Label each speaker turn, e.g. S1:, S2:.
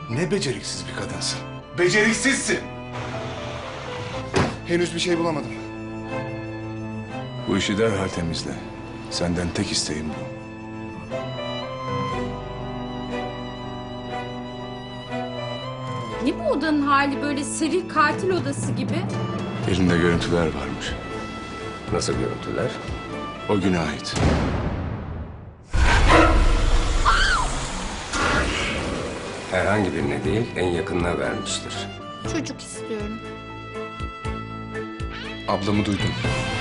S1: Ne beceriksiz bir kadınsın. Beceriksizsin.
S2: Henüz bir şey bulamadım.
S1: Bu işi derhal temizle. Senden tek isteğim bu.
S3: Ne bu odanın hali, böyle seri katil odası gibi?
S1: Elinde görüntüler varmış.
S4: Nasıl görüntüler?
S1: O güne ait.
S4: Herhangi birine değil, en yakınına vermiştir.
S3: Çocuk istiyorum.
S2: Ablamı duydum.